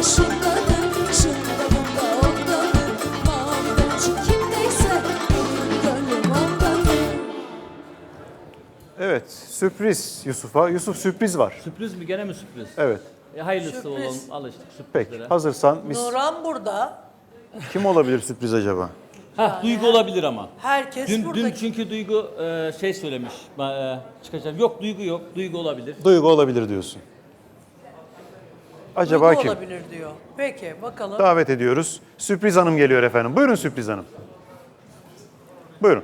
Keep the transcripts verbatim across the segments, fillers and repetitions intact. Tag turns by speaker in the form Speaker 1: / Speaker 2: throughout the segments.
Speaker 1: şınladım, şınladım da ondadır. Mavi boncuk kimdeyse benim gönlüm ondadır.
Speaker 2: Evet, sürpriz Yusuf'a. Yusuf sürpriz var.
Speaker 3: Sürpriz mi? Gene mi sürpriz?
Speaker 2: Evet.
Speaker 3: E, hayırlısı
Speaker 4: Sürpriz.
Speaker 3: olalım. Alıştık
Speaker 2: Peki,
Speaker 3: sürprizlere.
Speaker 2: hazırsan biz...
Speaker 4: Nurhan burada.
Speaker 2: Kim olabilir sürpriz acaba?
Speaker 3: Ha, Duygu olabilir ama.
Speaker 4: Herkes
Speaker 3: Dün,
Speaker 4: burada.
Speaker 3: dün çünkü Duygu e, şey söylemiş. E, çıkacak. Yok Duygu yok. Duygu olabilir.
Speaker 2: Duygu olabilir diyorsun. Acaba
Speaker 4: Duygu
Speaker 2: kim?
Speaker 4: olabilir diyor. Peki bakalım.
Speaker 2: Davet ediyoruz. Sürpriz Hanım geliyor efendim. Buyurun Sürpriz Hanım. Buyurun.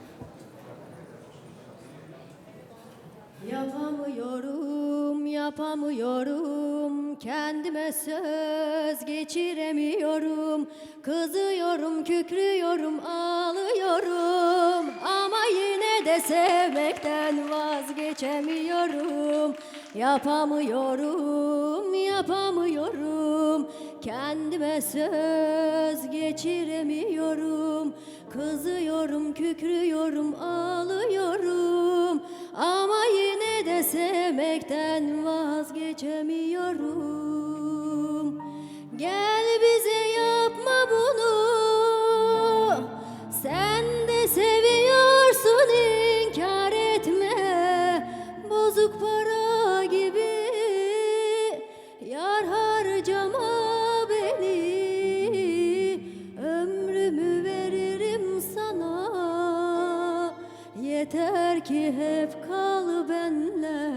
Speaker 5: Yapamıyorum, yapamıyorum, kendime söz geçiremiyorum. Kızıyorum, kükrüyorum, ağlıyorum, ama yine de sevmekten vazgeçemiyorum. Yapamıyorum, yapamıyorum, kendime söz geçiremiyorum. Kızıyorum, kükrüyorum, ağlıyorum, ama yine de sevmekten vazgeçemiyorum. Gel bize yapma bunu, sen de seviyorsun, inkar etme. Bozuk para gibi yar harcama beni, ömrümü veririm sana. Yeter ki hep kal benle,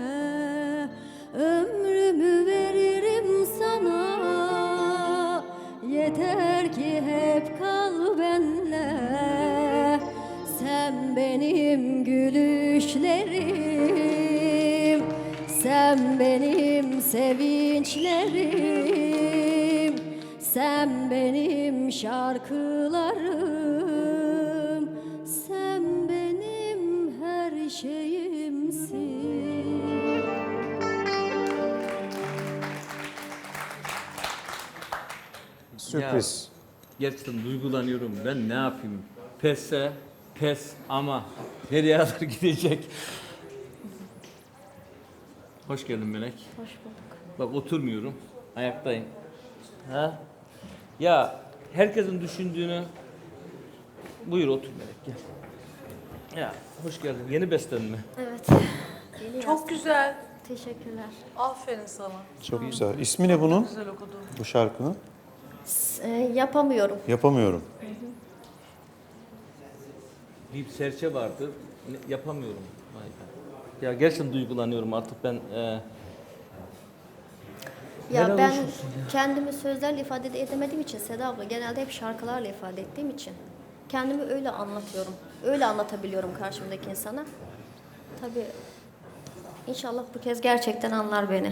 Speaker 5: ömrümü veririm sana. Yeter ki hep kal benle, sen benim gülüşlerim, sen benim sevinçlerim, sen benim şarkılarım, sen benim her şeyimsin.
Speaker 2: Sürpriz.
Speaker 3: Ya, gerçekten duygulanıyorum. Ben ne yapayım? Pesse, pes ama nereye kadar gidecek? Hoş geldin Melek.
Speaker 5: Hoş bulduk.
Speaker 3: Bak oturmuyorum. Ayaktayım. Ha? Ya herkesin düşündüğünü... Buyur otur Melek gel. Ya hoş geldin. Yeni besten mi?
Speaker 5: Evet. Yeni
Speaker 4: Çok
Speaker 5: yazdım.
Speaker 4: güzel.
Speaker 5: Teşekkürler.
Speaker 4: Aferin sana.
Speaker 2: Çok güzel. İsmi ne bunun?
Speaker 4: Güzel okudun.
Speaker 2: Bu şarkının?
Speaker 5: S- e, yapamıyorum.
Speaker 2: Yapamıyorum.
Speaker 3: Bir serçe vardı. Ne- Yapamıyorum. Vay be. Ya gerçekten duygulanıyorum artık ben. E,
Speaker 5: Ya
Speaker 3: Helal
Speaker 5: ben
Speaker 3: olsun ya.
Speaker 5: kendimi sözlerle ifade edemediğim için Seda abla, genelde hep şarkılarla ifade ettiğim için kendimi öyle anlatıyorum. Öyle anlatabiliyorum karşımdaki insana. Tabii inşallah bu kez gerçekten anlar beni.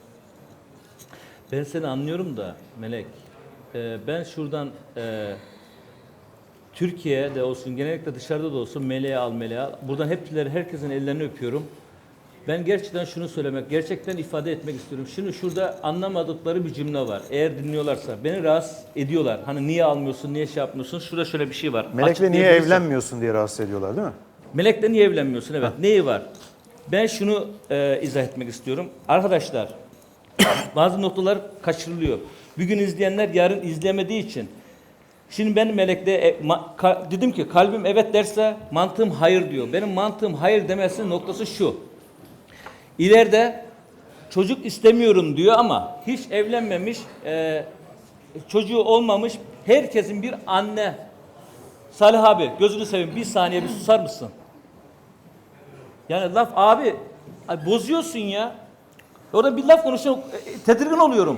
Speaker 3: Ben seni anlıyorum da Melek. e, ben şuradan e, Türkiye'de olsun, genellikle dışarıda da olsun Melek'i al, Melek'i al. Buradan hepsileri, herkesin ellerini öpüyorum. Ben gerçekten şunu söylemek, gerçekten ifade etmek istiyorum. Şimdi şurada anlamadıkları bir cümle var. Eğer dinliyorlarsa, beni rahatsız ediyorlar. Hani niye almıyorsun, niye şey yapmıyorsun? Şurada şöyle bir şey var.
Speaker 2: Melek'le niye
Speaker 3: Açıklayabilirsem.
Speaker 2: evlenmiyorsun diye rahatsız ediyorlar değil mi?
Speaker 3: Melek'le niye evlenmiyorsun? Evet. Neyi var? Ben şunu e, izah etmek istiyorum. Arkadaşlar, bazı noktalar kaçırılıyor. Bugün izleyenler yarın izleyemediği için. Şimdi ben Melek'le e, ma, ka, dedim ki kalbim evet derse mantığım hayır diyor. Benim mantığım hayır demesinin noktası şu. İleride çocuk istemiyorum diyor ama hiç evlenmemiş, e, çocuğu olmamış herkesin bir anne. Salih abi gözünü seveyim bir saniye bir susar mısın? Yani laf abi, abi bozuyorsun ya. Orada bir laf konuşuyor, e, tedirgin oluyorum.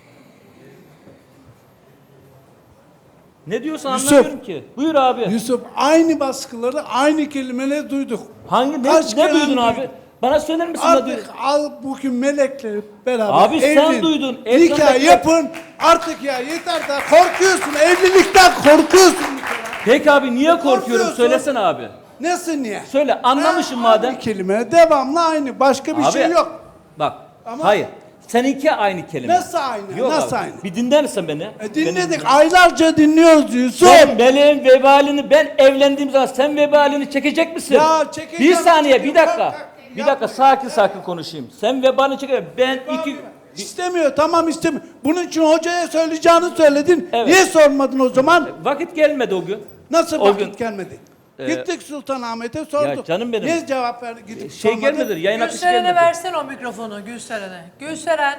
Speaker 3: Ne diyorsun
Speaker 6: Yusuf.
Speaker 3: anlamıyorum ki. Buyur abi.
Speaker 6: Yusuf, aynı baskıları, aynı kelimeleri duyduk.
Speaker 3: Hangi ne,
Speaker 6: Kaç
Speaker 3: ne
Speaker 6: kere
Speaker 3: duydun
Speaker 6: duyduk?
Speaker 3: abi? Bana söyler misin ne duydun?
Speaker 6: Artık al bugün Melek'le beraber
Speaker 3: Abi sen
Speaker 6: evlen.
Speaker 3: duydun,
Speaker 6: Nikah
Speaker 3: ekrandaki-
Speaker 6: yapın. Artık ya yeter de korkuyorsun. Evlilikten korkuyorsun.
Speaker 3: Peki abi niye korkuyorum?
Speaker 6: Korkuyorsun.
Speaker 3: Söylesene abi.
Speaker 6: Nasıl niye?
Speaker 3: Söyle anlamışım
Speaker 6: Ha,
Speaker 3: madem.
Speaker 6: Aynı kelime devamlı aynı. Başka bir
Speaker 3: Abi,
Speaker 6: şey yok.
Speaker 3: Bak
Speaker 6: Ama-
Speaker 3: hayır. Seninki aynı kelime.
Speaker 6: Nasıl aynı?
Speaker 3: Yok
Speaker 6: Nasıl
Speaker 3: abi.
Speaker 6: aynı?
Speaker 3: Bir dinler misin beni?
Speaker 6: E, dinledik.
Speaker 3: Beni-
Speaker 6: Aylarca dinliyoruz Yusuf.
Speaker 3: Sen meleğin vebalini ben evlendiğim zaman sen vebalini çekecek misin?
Speaker 6: Ya, çekeceğim,
Speaker 3: Bir saniye bir
Speaker 6: çekeceğim.
Speaker 3: dakika.
Speaker 6: Kalk, kalk.
Speaker 3: Bir dakika sakin sakin konuşayım. Sen vebalini çekecek. Ben iki
Speaker 6: İstemiyor, tamam istemiyor. Bunun için hocaya söyleyeceğini söyledin.
Speaker 3: Evet.
Speaker 6: Niye sormadın o zaman?
Speaker 3: Vakit gelmedi o gün.
Speaker 6: Nasıl
Speaker 3: o
Speaker 6: vakit
Speaker 3: gün-
Speaker 6: gelmedi?
Speaker 3: Ee,
Speaker 6: Gittik Sultanahmet'e sorduk.
Speaker 3: Ya canım benim.
Speaker 6: Niye cevap verdi? Gidip
Speaker 3: Şey
Speaker 6: sormadın?
Speaker 3: gelmedi, yayın akışı
Speaker 4: Gülseren'e
Speaker 3: gelmedi.
Speaker 4: versen o mikrofonu Gülseren'e. Gülseren.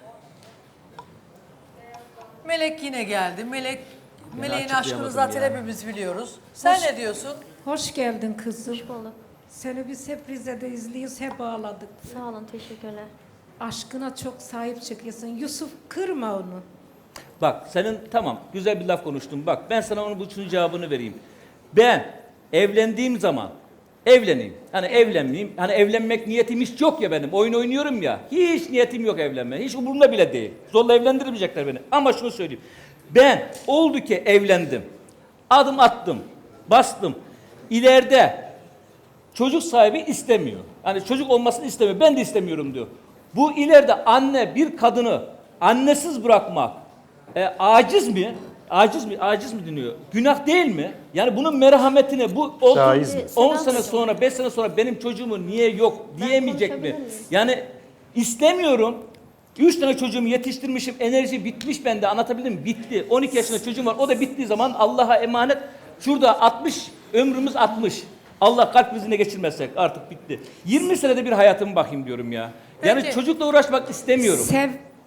Speaker 4: Melek yine geldi. Melek Meleğin aşkını
Speaker 3: açıklayamadım
Speaker 4: zaten
Speaker 3: ya.
Speaker 4: hepimiz biliyoruz. Sen ne diyorsun?
Speaker 7: Hoş geldin kızım.
Speaker 5: Hoş bulduk.
Speaker 7: Seni biz hep Rize'de izliyoruz, hep ağladık.
Speaker 5: Sağ olun, teşekkürler.
Speaker 7: Aşkına çok sahip çıkıyorsun. Yusuf, kırma onu.
Speaker 3: Bak senin tamam güzel bir laf konuştun. Bak ben sana onun bu üçünün cevabını vereyim. Ben evlendiğim zaman evleneyim. Hani evlenmeyeyim. Hani evlenmek niyetim hiç yok ya benim. Oyun oynuyorum ya. Hiç niyetim yok evlenmeye. Hiç umurumda bile değil. Zorla evlendirmeyecekler beni. Ama şunu söyleyeyim. Ben oldu ki evlendim. Adım attım. Bastım. İleride çocuk sahibi istemiyor. Hani çocuk olmasını istemiyor. Ben de istemiyorum diyor. Bu ileride anne bir kadını annesiz bırakmak e, aciz mi? Aciz mi? Aciz mi deniyor? Günah değil mi? Yani bunun merhametine bu
Speaker 2: Caiz mi?
Speaker 3: on sene sonra, beş sene sonra benim çocuğumu niye yok diyemeyecek mi?
Speaker 5: konuşabilir miyim?
Speaker 3: Yani istemiyorum. Üç tane çocuğumu yetiştirmişim. Enerji bitmiş bende. Anlatabildim mi? Bitti. on iki yaşında çocuğum var. O da bittiği zaman Allah'a emanet. Şurada altmış, ömrümüz altmış. Allah kalp krizine geçirmezsek artık bitti. yirmi senede bir hayatımı bakayım diyorum ya. Yani
Speaker 4: Peki.
Speaker 3: çocukla uğraşmak istemiyorum.
Speaker 7: Sev.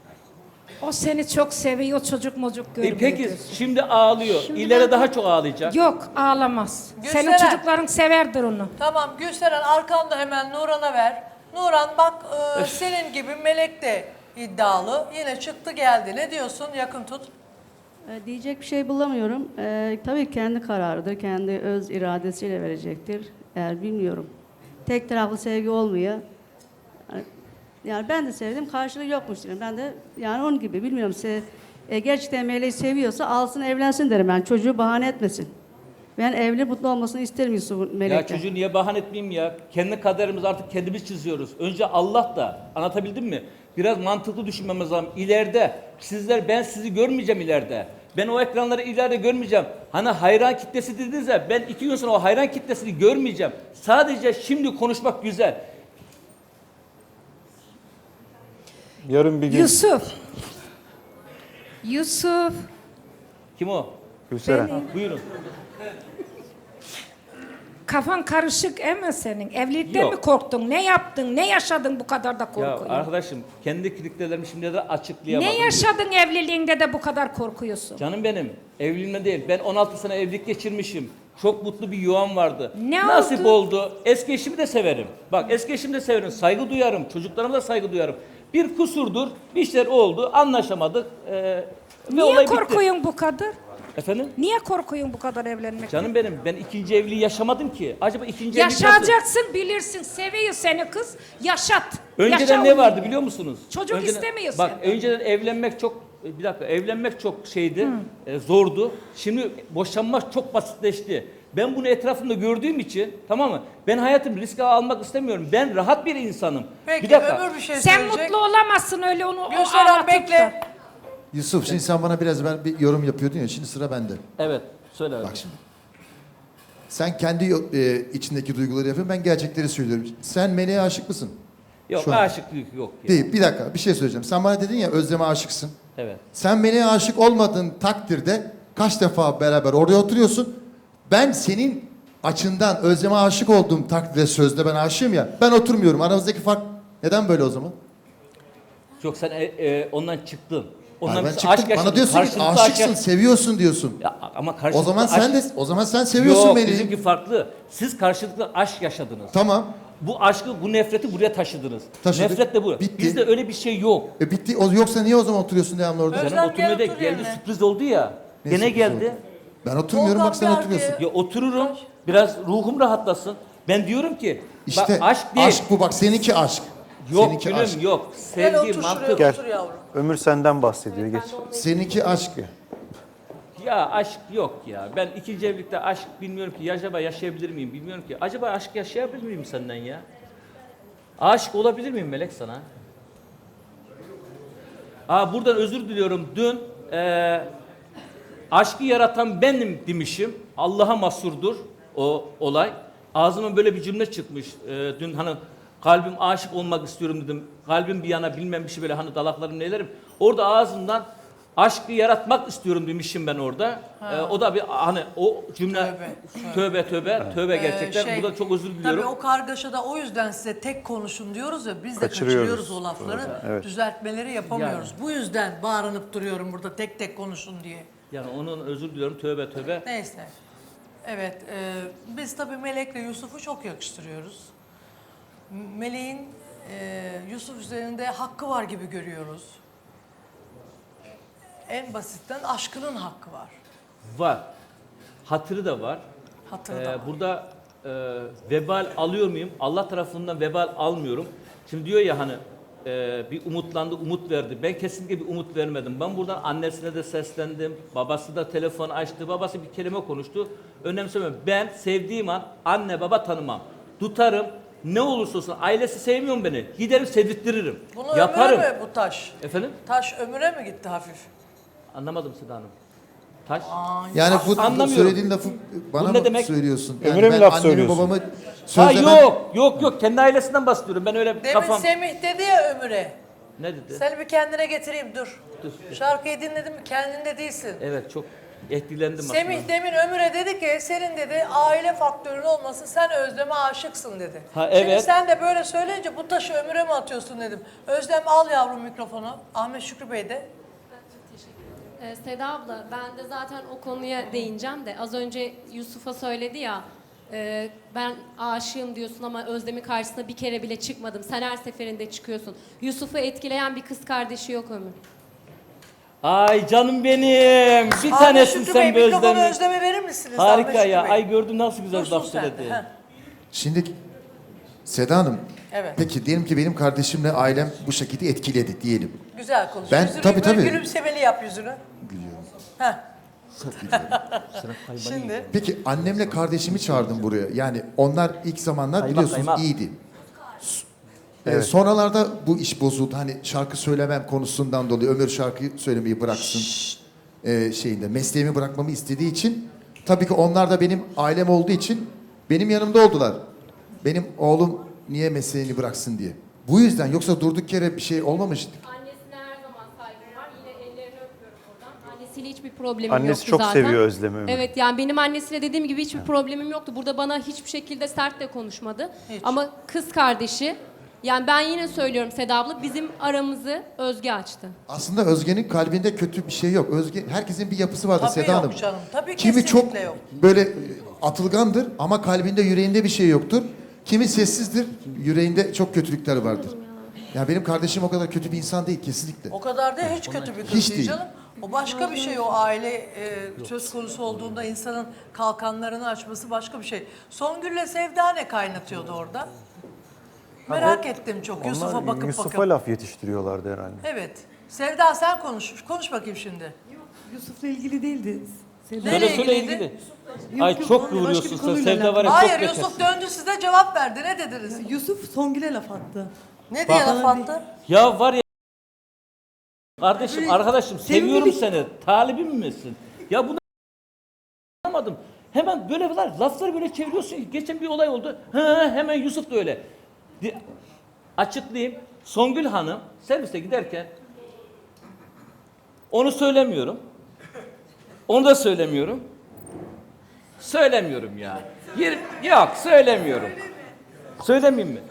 Speaker 7: O seni çok seviyor, çocuk mocuk
Speaker 3: E
Speaker 7: görmüyor.
Speaker 3: peki
Speaker 7: diyorsun.
Speaker 3: şimdi ağlıyor.
Speaker 5: Şimdi
Speaker 3: İleri
Speaker 5: ben-
Speaker 3: daha çok ağlayacak.
Speaker 7: Yok, ağlamaz. Senin
Speaker 4: Gülseren.
Speaker 7: çocukların severdir onu.
Speaker 4: Tamam Gülseren arkanda hemen Nuran'a ver. Nuran bak e, senin gibi Melek de iddialı. Yine çıktı geldi. Ne diyorsun? Yakın tut.
Speaker 8: E, Diyecek bir şey bulamıyorum. E, tabii kendi kararıdır, kendi öz iradesiyle verecektir. Eğer bilmiyorum. Tek taraflı sevgi olmuyor. Yani, yani ben de sevdim, karşılığı yokmuş derim. Ben de yani onun gibi bilmiyorum. Se, e, gerçekten Meleği seviyorsa alsın evlensin derim ben. Çocuğu bahane etmesin. Ben evli mutlu olmasını isterim Yusuf'un Melek'ten.
Speaker 3: Ya çocuğu niye bahane etmeyeyim ya? Kendi kaderimizi artık kendimiz çiziyoruz. Önce Allah da, anlatabildim mi? Biraz mantıklı düşünmemiz lazım. İleride sizler, ben sizi görmeyeceğim ileride. Ben o ekranları ileride görmeyeceğim. Hani hayran kitlesi dediniz ya, ben iki gün sonra o hayran kitlesini görmeyeceğim. Sadece şimdi konuşmak güzel.
Speaker 2: Yarın bir gün
Speaker 7: Yusuf. Yusuf.
Speaker 3: Kim o?
Speaker 2: Gülseren.
Speaker 3: Buyurun.
Speaker 7: Kafan karışık eme senin. Evlilikten
Speaker 3: Yok.
Speaker 7: mi korktun? Ne yaptın? Ne yaşadın bu kadar da
Speaker 3: Ya
Speaker 7: korkuyorsun?
Speaker 3: arkadaşım kendi kriterlerimi şimdi de açıklayamadım.
Speaker 7: Ne yaşadın evliliğinde de bu kadar korkuyorsun?
Speaker 3: Canım benim, evliliğimde değil. Ben on altı sene evlilik geçirmişim. Çok mutlu bir yuvam vardı.
Speaker 7: Ne
Speaker 3: Nasip
Speaker 7: oldu?
Speaker 3: oldu. Eski eşimi de severim. Bak eski eşimi de severim. Saygı duyarım. Çocuklarıma da saygı duyarım. Bir kusurdur. Bir şeyler oldu. Anlaşamadık. Ee, ve
Speaker 7: Niye
Speaker 3: olay bitti.
Speaker 7: korkuyorsun bu kadar?
Speaker 3: Efendim?
Speaker 7: Niye korkuyorsun bu kadar evlenmek?
Speaker 3: Canım benim, ben ikinci evliliği yaşamadım ki. Acaba ikinci evlilik nasıl?
Speaker 7: Yaşayacaksın, bilirsin. Seviyor seni kız. Yaşat.
Speaker 3: Önceden
Speaker 7: Yaşa
Speaker 3: ne
Speaker 7: onu.
Speaker 3: vardı biliyor musunuz?
Speaker 7: Çocuk istemiyor
Speaker 3: Bak
Speaker 7: senden.
Speaker 3: önceden evlenmek çok, bir dakika, evlenmek çok şeydi, e, zordu. Şimdi boşanmak çok basitleşti. Ben bunu etrafımda gördüğüm için, tamam mı? Ben hayatımı riske almak istemiyorum. Ben rahat bir insanım.
Speaker 4: Peki
Speaker 3: bir dakika.
Speaker 4: öbür bir şey
Speaker 7: Sen
Speaker 4: söyleyecek.
Speaker 7: mutlu olamazsın öyle onu o
Speaker 4: Gülseren
Speaker 7: ağlatıp
Speaker 4: bekle.
Speaker 7: da.
Speaker 9: Yusuf şimdi sen bana biraz evvel bir yorum yapıyordun ya, şimdi sıra bende.
Speaker 3: Evet, söyle.
Speaker 9: Bak şimdi. Sen kendi e, içindeki duyguları yapıyorsun, ben gerçekleri söylüyorum. Sen Melek'e aşık mısın?
Speaker 3: Yok,
Speaker 9: Şu an.
Speaker 3: aşıklık yok. Ya.
Speaker 9: Değil, bir dakika bir şey söyleyeceğim. Sen bana dedin ya Özlem'e aşıksın.
Speaker 3: Evet.
Speaker 9: Sen Melek'e aşık olmadığın takdirde kaç defa beraber oraya oturuyorsun. Ben senin açından Özlem'e aşık olduğum takdirde sözde ben aşığım ya. Ben oturmuyorum. Aramızdaki fark neden böyle o zaman?
Speaker 3: Yok sen e, e, ondan çıktın. Ondan
Speaker 9: Hayır, ben
Speaker 3: biz
Speaker 9: çıktım.
Speaker 3: aşk
Speaker 9: Bana
Speaker 3: yaşadık.
Speaker 9: diyorsun ki
Speaker 3: Karşılıklı aşk
Speaker 9: aşıksın,
Speaker 3: yaşadık.
Speaker 9: seviyorsun diyorsun.
Speaker 3: Ya, ama
Speaker 9: O
Speaker 3: karşılıklı
Speaker 9: zaman sen de
Speaker 3: aşk-
Speaker 9: o zaman sen seviyorsun
Speaker 3: Yok,
Speaker 9: beni.
Speaker 3: bizimki farklı. Siz karşılıklı aşk yaşadınız.
Speaker 9: Tamam.
Speaker 3: Bu aşkı, bu nefreti buraya taşıdınız.
Speaker 9: Taşıdık.
Speaker 3: Nefret de bu.
Speaker 9: Bitti.
Speaker 3: Bizde öyle bir şey yok.
Speaker 9: E bitti. O, yoksa niye o zaman oturuyorsun devamlı orada?
Speaker 4: Özlem,
Speaker 3: Canım oturmaya da
Speaker 4: gel otur
Speaker 3: geldi,
Speaker 4: yerine.
Speaker 3: sürpriz oldu ya.
Speaker 9: Ne
Speaker 3: Gene
Speaker 9: sürpriz
Speaker 3: geldi.
Speaker 9: oldu? Ben oturmuyorum,
Speaker 4: Volkan
Speaker 9: bak sen
Speaker 4: bir
Speaker 9: oturuyorsun.
Speaker 4: arkaya.
Speaker 3: Ya otururum. Biraz ruhum rahatlasın. Ben diyorum ki
Speaker 9: İşte
Speaker 3: bak, aşk değil.
Speaker 9: aşk bu, bak seninki aşk.
Speaker 3: Yok
Speaker 9: seninki
Speaker 3: gülüm
Speaker 9: aşk.
Speaker 3: yok.
Speaker 4: Gel
Speaker 3: Sevgi,
Speaker 4: otur
Speaker 3: mantık.
Speaker 4: şuraya
Speaker 2: Gel.
Speaker 4: otur yavrum.
Speaker 2: Ömür senden bahsediyor. Geç.
Speaker 9: Seninki aşk.
Speaker 3: Ya aşk yok ya. Ben ikinci evlilikte aşk bilmiyorum ki. Acaba yaşayabilir miyim bilmiyorum ki. Acaba aşk yaşayabilir miyim senden ya? Aşık olabilir miyim Melek sana? Aa, buradan özür diliyorum. Dün eee aşkı yaratan benim demişim. Allah'a mahsurdur o olay. Ağzıma böyle bir cümle çıkmış. Eee, dün hani kalbim aşık olmak istiyorum dedim. Kalbim bir yana bilmem bir şey böyle hani dalaklarım nelerim. Orada ağzımdan aşkı yaratmak istiyorum demişim ben orada. Ee, o da bir hani o cümle
Speaker 4: Tövbe,
Speaker 3: tövbe tövbe tövbe, gerçekten.
Speaker 4: Ee, şey,
Speaker 3: Burada çok özür diliyorum.
Speaker 4: Tabii o kargaşada o yüzden size tek konuşun diyoruz ya, biz de
Speaker 2: Kaçırıyoruz.
Speaker 4: kaçırıyoruz o lafları.
Speaker 2: Evet.
Speaker 4: Düzeltmeleri yapamıyoruz.
Speaker 3: Yani.
Speaker 4: Bu yüzden bağırınıp duruyorum burada tek tek konuşun diye.
Speaker 3: Yani onun özür diliyorum, tövbe tövbe.
Speaker 4: Neyse. Evet, e, biz tabii Melek'le Yusuf'u çok yakıştırıyoruz. Melek'in e, Yusuf üzerinde hakkı var gibi görüyoruz. En basitten aşkının hakkı var.
Speaker 3: Var. Hatırı da var.
Speaker 4: Hatırı
Speaker 3: Ee,
Speaker 4: da var.
Speaker 3: burada e, vebal alıyor muyum? Allah tarafından vebal almıyorum. Şimdi diyor ya hani e, bir umutlandı, umut verdi. Ben kesinlikle bir umut vermedim. Ben buradan annesine de seslendim. Babası da telefon açtı. Babası bir kelime konuştu. Önemsemiyorum. Ben sevdiğim an anne baba tanımam. Tutarım. Ne olursa olsun ailesi sevmiyor mu beni? Giderim sevdirttiririm.
Speaker 4: Bunu
Speaker 3: Yaparım.
Speaker 4: ömüre mi bu taş?
Speaker 3: Efendim?
Speaker 4: Taş ömüre mi gitti hafif?
Speaker 3: Anlamadım Seda Hanım. Taş.
Speaker 9: Yani bu, bu
Speaker 3: Anlamıyorum.
Speaker 9: söylediğin lafı bana
Speaker 3: Bu ne
Speaker 9: mı
Speaker 3: demek?
Speaker 9: söylüyorsun? Yani
Speaker 2: Ömüre mi
Speaker 9: ben
Speaker 2: laf
Speaker 9: annemi
Speaker 2: söylüyorsun?
Speaker 9: babamı
Speaker 3: Ha
Speaker 9: sözlemem.
Speaker 3: yok, yok yok. Kendi ailesinden bahsediyorum. Ben öyle
Speaker 4: Demin
Speaker 3: kafam...
Speaker 4: Semih dedi ya ömüre.
Speaker 3: Ne dedi?
Speaker 4: Seni bir kendine getireyim dur.
Speaker 3: Dur.
Speaker 4: Şarkıyı dinledim mi kendinde değilsin.
Speaker 3: Evet çok etkilendim
Speaker 4: Semih
Speaker 3: aslında.
Speaker 4: demin Ömür'e dedi ki senin dedi aile faktörün olmasın sen Özlem'e aşıksın dedi.
Speaker 3: Ha,
Speaker 4: Şimdi
Speaker 3: evet.
Speaker 4: sen de böyle söyleyince bu taşı Ömür'e mi atıyorsun dedim. Özlem al yavrum mikrofonu. Ahmet Şükrü Bey de.
Speaker 10: Ee, Seda abla ben de zaten o konuya değineceğim de az önce Yusuf'a söyledi ya e, ben aşığım diyorsun ama Özlem'in karşısına bir kere bile çıkmadım. Sen her seferinde çıkıyorsun. Yusuf'u etkileyen bir kız kardeşi yok Ömür.
Speaker 3: Ay canım benim. Bir
Speaker 4: Ahmet
Speaker 3: tanesin
Speaker 4: Şükrü
Speaker 3: sen
Speaker 4: Bey
Speaker 3: be
Speaker 4: mikrofonu
Speaker 3: Özlem'in.
Speaker 4: Özlem'e verir misiniz?
Speaker 3: Harika
Speaker 4: Ahmet
Speaker 3: ya.
Speaker 4: Şükrü Bey?
Speaker 3: Ay gördüm nasıl güzel
Speaker 4: Dursun
Speaker 3: laf
Speaker 4: sen de,
Speaker 3: söyledi.
Speaker 4: heh.
Speaker 9: Şimdi Seda Hanım,
Speaker 4: Evet.
Speaker 9: peki diyelim ki benim kardeşimle ailem bu şekilde etkiledi diyelim.
Speaker 4: Güzel konuş.
Speaker 9: Ben-
Speaker 4: Yüzünü
Speaker 9: tabii,
Speaker 4: böyle
Speaker 9: tabii.
Speaker 4: gülümsemeli yap yüzünü.
Speaker 9: Gülüyorum.
Speaker 4: Heh. Şimdi
Speaker 9: Peki annemle kardeşimi çağırdım buraya. Yani onlar ilk zamanlar
Speaker 3: Kaymak,
Speaker 9: biliyorsunuz
Speaker 3: kaymak.
Speaker 9: iyiydi. S- Ee, sonralarda bu iş bozuldu. Hani şarkı söylemem konusundan dolayı Ömür şarkı söylemeyi bıraksın ee, şeyinde. Mesleğimi bırakmamı istediği için tabii ki onlar da benim ailem olduğu için benim yanımda oldular. Benim oğlum niye mesleğini bıraksın diye. Bu yüzden yoksa durduk yere bir şey olmamıştı.
Speaker 10: Annesine her zaman saygım var. Yine ellerini öpüyorum oradan. Annesiyle hiçbir problemim
Speaker 2: Annesi
Speaker 10: yoktu
Speaker 2: çok
Speaker 10: zaten.
Speaker 2: seviyor Özlem'i, Ömür.
Speaker 10: Evet yani benim annesiyle dediğim gibi hiçbir problemim yoktu. Burada bana hiçbir şekilde sert de konuşmadı.
Speaker 4: Hiç.
Speaker 10: Ama kız kardeşi yani ben yine söylüyorum Seda abla bizim aramızı Özge açtı.
Speaker 9: Aslında Özge'nin kalbinde kötü bir şey yok. Özge herkesin bir yapısı vardır
Speaker 4: Tabii
Speaker 9: Seda
Speaker 4: yok
Speaker 9: Hanım.
Speaker 4: canım, tabii
Speaker 9: Kimi
Speaker 4: kesinlikle
Speaker 9: çok
Speaker 4: yok.
Speaker 9: böyle e, atılgandır ama kalbinde yüreğinde bir şey yoktur. Kimi sessizdir, yüreğinde çok kötülükler vardır. Ya benim kardeşim o kadar kötü bir insan değil kesinlikle.
Speaker 4: o kadar da hiç kötü bir kız
Speaker 9: Hiç
Speaker 4: değil
Speaker 9: değil.
Speaker 4: canım. O başka bir şey o aile e, söz konusu olduğunda insanın kalkanlarını açması başka bir şey. Songül'le Sevda ne kaynatıyordu orada? Merak ettim çok Yusuf'a
Speaker 2: Onlar
Speaker 4: bakıp
Speaker 2: Yusuf'a
Speaker 4: bakıp.
Speaker 2: laf yetiştiriyorlardı herhalde.
Speaker 4: Evet. Sevda sen konuş. Konuş bakayım şimdi.
Speaker 7: Yusuf'la ilgili değildi. Seda.
Speaker 4: Nereye
Speaker 3: Söyle söyle
Speaker 4: ilgiliydi?
Speaker 3: ilgili. Ay
Speaker 7: yok,
Speaker 3: çok
Speaker 7: başka bir
Speaker 3: kıvırıyorsun sen.
Speaker 7: konuyla
Speaker 3: Sevda var ya
Speaker 4: Hayır
Speaker 3: çok
Speaker 4: Yusuf
Speaker 3: betersin.
Speaker 4: döndü size cevap verdi. Ne dediniz?
Speaker 7: Yusuf Songül'e laf attı.
Speaker 4: Ne diye
Speaker 3: Bak-
Speaker 4: laf attı?
Speaker 3: Ya var ya. Kardeşim, arkadaşım seviyorum
Speaker 7: sevgili-
Speaker 3: seni. Talibim misin? Ya bunu anlamadım. Hemen böyle var, lafları böyle çeviriyorsun. ki, Geçen bir olay oldu. Ha, hemen Yusuf da öyle. Di- Açıklayayım. Songül Hanım servise giderken onu söylemiyorum. Onu da söylemiyorum. Söylemiyorum ya. Yer- yok söylemiyorum. Söylemeyeyim mi?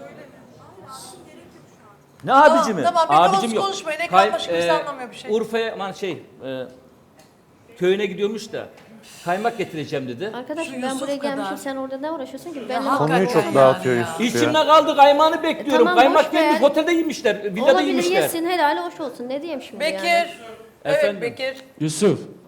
Speaker 3: Ne
Speaker 4: Tamam,
Speaker 3: abici mi?
Speaker 4: tamam, bir
Speaker 3: Abicim
Speaker 4: konuş-
Speaker 3: yok.
Speaker 4: konuşmayın. Ekran
Speaker 3: Kay-
Speaker 4: başı kimse anlamıyor bir şey.
Speaker 3: Urfa'ya aman şey e, köyüne gidiyormuş da kaymak getireceğim dedi.
Speaker 5: Arkadaşım
Speaker 4: Şu
Speaker 5: ben
Speaker 4: Yusuf
Speaker 5: buraya gelmişim
Speaker 4: kadar.
Speaker 5: sen orada ne uğraşıyorsun ki? Ben
Speaker 4: hakikaten
Speaker 2: Konuyu çok
Speaker 4: yani
Speaker 2: dağıtıyor
Speaker 4: ya.
Speaker 2: Yusuf ya.
Speaker 3: İçimde kaldı kaymağını bekliyorum.
Speaker 5: tamam, boş
Speaker 3: Kaymak
Speaker 5: ver.
Speaker 3: gelmiş otelde yemişler. Villada
Speaker 5: olabilir
Speaker 3: yemişler.
Speaker 5: yesin helali hoş olsun ne diyeyim şimdi
Speaker 4: Bekir.
Speaker 5: yani.
Speaker 4: Evet
Speaker 3: Efendim?
Speaker 4: Bekir.
Speaker 11: Yusuf,